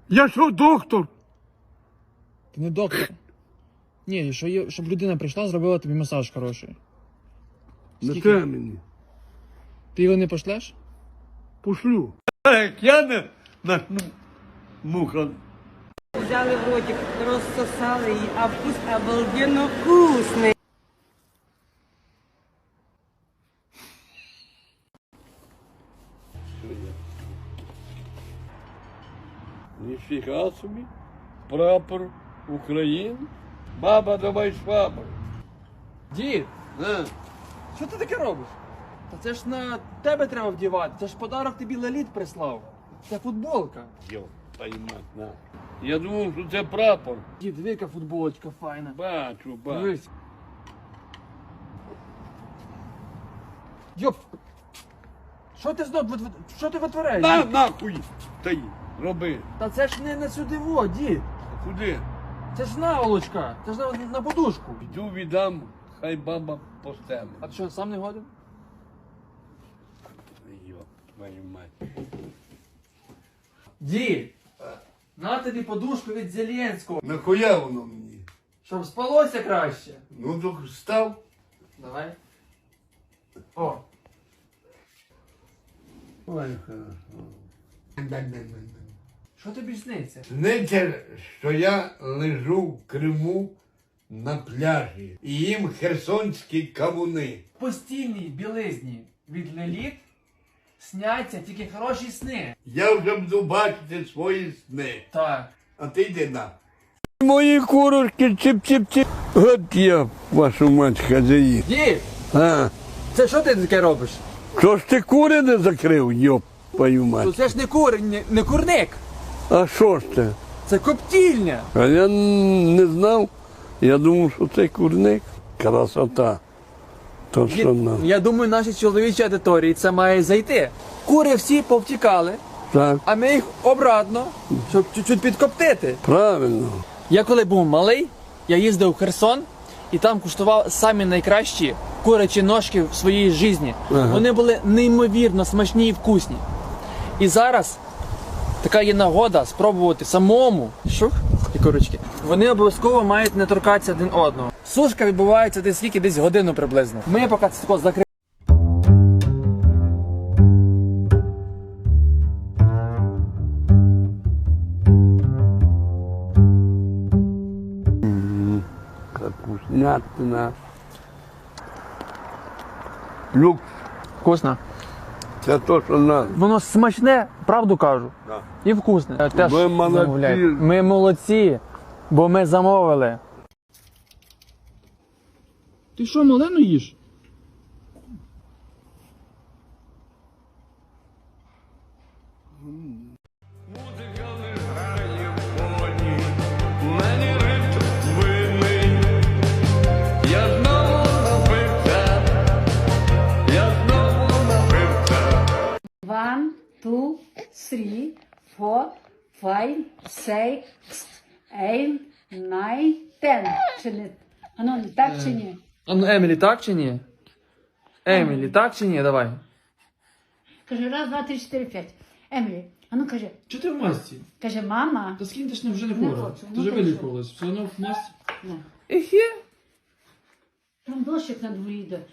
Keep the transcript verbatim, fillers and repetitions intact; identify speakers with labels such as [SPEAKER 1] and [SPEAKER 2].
[SPEAKER 1] Я що, доктор?
[SPEAKER 2] Ти не доктор. Ні, що є, щоб людина прийшла, зробила тобі масаж хороший.
[SPEAKER 1] Не
[SPEAKER 2] Скільки?
[SPEAKER 1] треба мені.
[SPEAKER 2] Ти його не пошлеш?
[SPEAKER 1] Пошлю. Як я не начну муха.
[SPEAKER 3] Взяли в ротик, розсосали її, а вкус обалденно вкусний.
[SPEAKER 1] Ніфіга собі. Прапор України. Баба, давай швабру.
[SPEAKER 2] Дід,
[SPEAKER 1] А?
[SPEAKER 2] що ти таке робиш? Та це ж на тебе треба вдівати. Це ж подарок тобі Леліт прислав. Це футболка.
[SPEAKER 1] Йо, поймать, на. Я думав, що це прапор.
[SPEAKER 2] Дід, диви, яка футболочка файна.
[SPEAKER 1] Бачу, бачу.
[SPEAKER 2] Дивись. Йоп! Що ти знов, вит- що ти витворяєш?
[SPEAKER 1] На,
[SPEAKER 2] дід?
[SPEAKER 1] нахуй! Та й, роби.
[SPEAKER 2] Та це ж не на сюди во, дід.
[SPEAKER 1] А куди?
[SPEAKER 2] Це ж наволочка. Це ж на, на подушку.
[SPEAKER 1] Йду віддам, хай баба постелить.
[SPEAKER 2] А ти що, сам не годен?
[SPEAKER 1] Йо, твою мать.
[SPEAKER 2] Дід! На тобі подушку від Зеленського.
[SPEAKER 1] Нахуя воно мені?
[SPEAKER 2] Щоб спалося краще.
[SPEAKER 1] Ну, так став.
[SPEAKER 2] Давай. О.
[SPEAKER 1] Ой, хорошо.
[SPEAKER 2] Що тобі сниться?
[SPEAKER 1] Сниться, що я лежу в Криму на пляжі і їм херсонські кавуни.
[SPEAKER 2] В постільній білизні від Леліт сняться тільки хороші сни.
[SPEAKER 1] Я вже буду бачити свої сни.
[SPEAKER 2] Так.
[SPEAKER 1] А ти йди на. Мої курочки чип-чип-чип. От я, вашу мать, хазяїн.
[SPEAKER 2] Дід!
[SPEAKER 1] А,
[SPEAKER 2] Це що ти таке робиш?
[SPEAKER 1] що ж ти кури не закрив, йоп, твою
[SPEAKER 2] Ну
[SPEAKER 1] мать.
[SPEAKER 2] це ж не кур, не, не курник.
[SPEAKER 1] А що ж це?
[SPEAKER 2] Це коптільня.
[SPEAKER 1] А я не знав. Я думав, що це курник. Красота. То
[SPEAKER 2] Дід,
[SPEAKER 1] що нам.
[SPEAKER 2] я думаю, нашій чоловічій аудиторії це має зайти. Кури всі повтікали,
[SPEAKER 1] Так,
[SPEAKER 2] а ми їх обратно, щоб чуть-чуть підкоптити.
[SPEAKER 1] правильно.
[SPEAKER 2] Я коли був малий, я їздив в Херсон і там куштував самі найкращі курячі ножки в своїй житті.
[SPEAKER 1] Ага.
[SPEAKER 2] Вони були неймовірно смачні і вкусні. І зараз така є нагода спробувати самому. Шух, і курочки. Вони обов'язково мають не торкатися один одного. Сушка відбувається десь скільки, десь годину приблизно. Ми поки це тако закриємо.
[SPEAKER 1] Капустнятина. Люк,
[SPEAKER 2] Вкусно.
[SPEAKER 1] це то, що надо.
[SPEAKER 2] Воно смачне, правду кажу.
[SPEAKER 1] Да.
[SPEAKER 2] І вкусне. Теж
[SPEAKER 1] Ви молодці.
[SPEAKER 2] замовляйте. Ми молодці, бо ми замовили. Ти що, малену їш?
[SPEAKER 1] Музика не грає в фоні, мені ритм винний. Я знову напився, я знову напився.
[SPEAKER 4] One, two, three, four, five, six, eight, nine, ten. Чи не? А ну, так чи ні?
[SPEAKER 2] А ну, Емілі, так чи ні? Емілі, так чи ні? Давай.
[SPEAKER 4] Каже, раз, два, три, чотири, п'ять. Емілі, а ну каже,
[SPEAKER 2] Чи ти в масці?
[SPEAKER 4] каже, мама.
[SPEAKER 2] Та скинь, ти ж вже не
[SPEAKER 4] Не
[SPEAKER 2] хвора.
[SPEAKER 4] хочу,
[SPEAKER 2] Ти
[SPEAKER 4] ну
[SPEAKER 2] вже
[SPEAKER 4] ти
[SPEAKER 2] вилікувалась. Все одно в масці.
[SPEAKER 4] Не.
[SPEAKER 2] Ехе.
[SPEAKER 4] Там дощик на дворі йде.